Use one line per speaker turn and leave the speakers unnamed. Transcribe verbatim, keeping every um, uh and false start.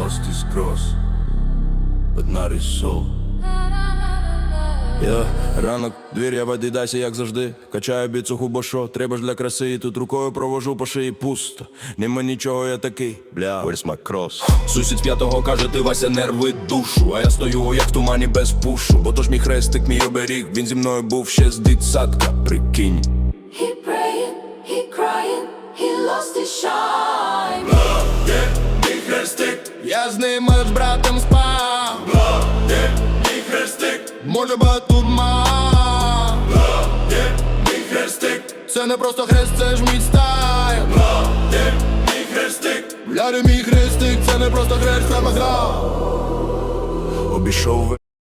lost his cross, but not his soul. Я ранок, двір, я води, дайся, як завжди. Качаю біцуху, бо що, треба ж для краси. І тут рукою провожу по шиї пусто. Нема нічого, я такий, бля, where's my cross? Сусід з п'ятого каже, ти Вася, нерви душу. А я стою, як в тумані без пушу. Бо то ж мій хрестик, мій оберіг. Він зі мною був ще з дитсадка, прикинь.
He praying, he crying, he lost his shine.
Бля, мій хрестик, я з ним з братом спав. Бля, мій хрестик, може ба тут ма. Бля, мій хрестик, це не просто хрест, це ж мій стайл. Бля, мій хрестик, бля, мій хрестик, це не просто хрест, це маграв. Обійшов